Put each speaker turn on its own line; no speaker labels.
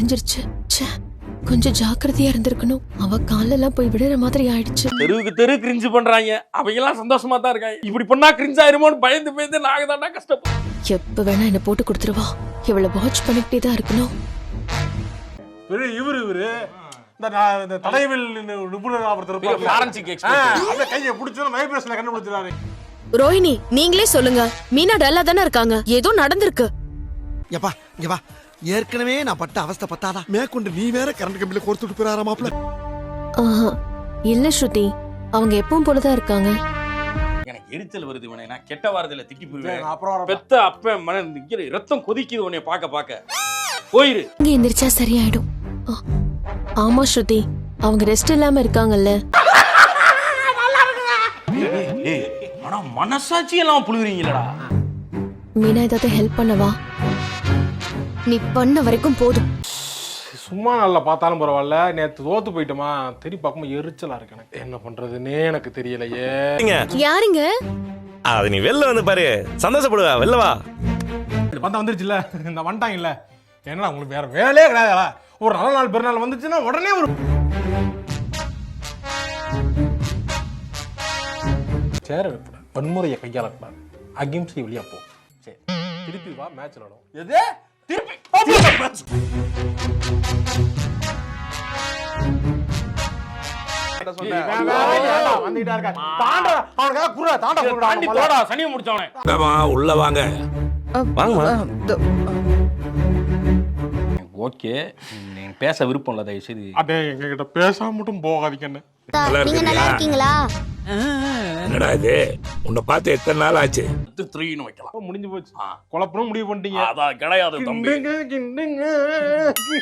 தெரிஞ்சிருச்சு. ச்சே, கொஞ்சம் ஜாக்கிரதையா இருந்திருக்கணும். அவ காலெல்லாம் போய் விடுற மாதிரி ஆயிடுச்சு.
தெருவுக்கு தெரு கிரிஞ்சு பண்றாங்க, அவங்க எல்லாம் சந்தோஷமா தான் இருக்காங்க. இப்படி பண்ணா கிரிஞ்ச் ஆயிருமோன்னு பயந்து பயந்து நாங்க தாண்டா கஷ்டப்போம்.
எப்ப வேணா என்ன போட்டு கொடுத்துருவா. இவளை வாட்ச் பண்ணிக்கிட்டே தான் இருக்கணும்.
இவரு இந்த தடயவில் நிபுணர்
ஃபாரன்சிக் எக்ஸ்பர்ட்
அந்த கையை பிடிச்சா வைப்ரேஷன்ல கண்டுபிடிச்சாரு.
ரோஹிணி, நீங்களே சொல்லுங்க. மீனா டல்லா தானே இருக்காங்க. ஏதோ நடந்திருக்கு.
எப்பா இங்க வா. ஏற்கனவே நான் பட்ட அவஸ்தை பத்தாதா மேற்கொண்டு நீ வேற கரண்ட் கம்பியில கோர்த்துட்டு போறாரா மாப்ள?
இல்ல ஸ்ருதி, அவங்க எப்பவும் போலதான் இருக்காங்க.
எனக்கு எரிச்சல் வருது. உன்னை நான் கெட்ட வாரத்துல திட்டி போயிருவேன்.
அப்புறம்
பெத்த அப்ப மன நிக்கிற ரத்தம் கொதிக்குது உன்னை பாக்க போயிரு.
இங்க எந்திரிச்சா சரியாயிடும். ஆமா ஸ்ருதி, அவங்க ரெஸ்ட் இல்லாம இருக்காங்கல்ல.
ஆனா மனசாட்சி எல்லாம் புழுகுறீங்களடா.
மீனா ஏதாவது ஹெல்ப் பண்ணவா? நீ பண்ண வரைக்கும் போதும்.
சும்மா நல்லா பார்த்தாலும் பரவாயில்ல. நேத்து தோத்து போயிட்டோமா, தெரி பார்க்கும்போது எரிச்சலா இருக்கு. எனக்கு என்ன பண்றதுன்னே எனக்கு தெரியலையே.
யாருங்க?
அது நீ வெளில வந்து பாரு, சந்தோஷப்படுவா. வெளில வா.
பார்த்தா வந்துருச்சுல்ல, இந்த வந்துட்டாங்க இல்ல. ஏன்னா உங்களுக்கு வேற வேலையே கிடையாதா? ஒரு நல்ல நாள் பெருநாள் வந்துச்சுன்னா உடனே ஒரு சேர வைப்பட வன்முறையை கையாளக்கூடாது. அகிம்சை வழியா போ. சரி, திருப்பி வா, மேட்ச் விளாடும்.
எது திருப்பி சனியை முடிச்சவனே
உள்ள வாங்க.
ஓகே, நீங்க பேச விருப்பம் இல்ல, தயவு செய்து
அடே எங்ககிட்ட பேசாம மட்டும் போகாதீங்க. என்ன
நீங்க நல்லா இருக்கீங்களா?
என்னடா இது, உன்னை பார்த்து எத்தனை நாள் ஆச்சு?
3ன்னு வைக்கலாம்.
முடிஞ்சு போச்சு. குழப்பணும் முடிவு பண்ணிட்டீங்க.
அதான் கிடையாது தம்பி.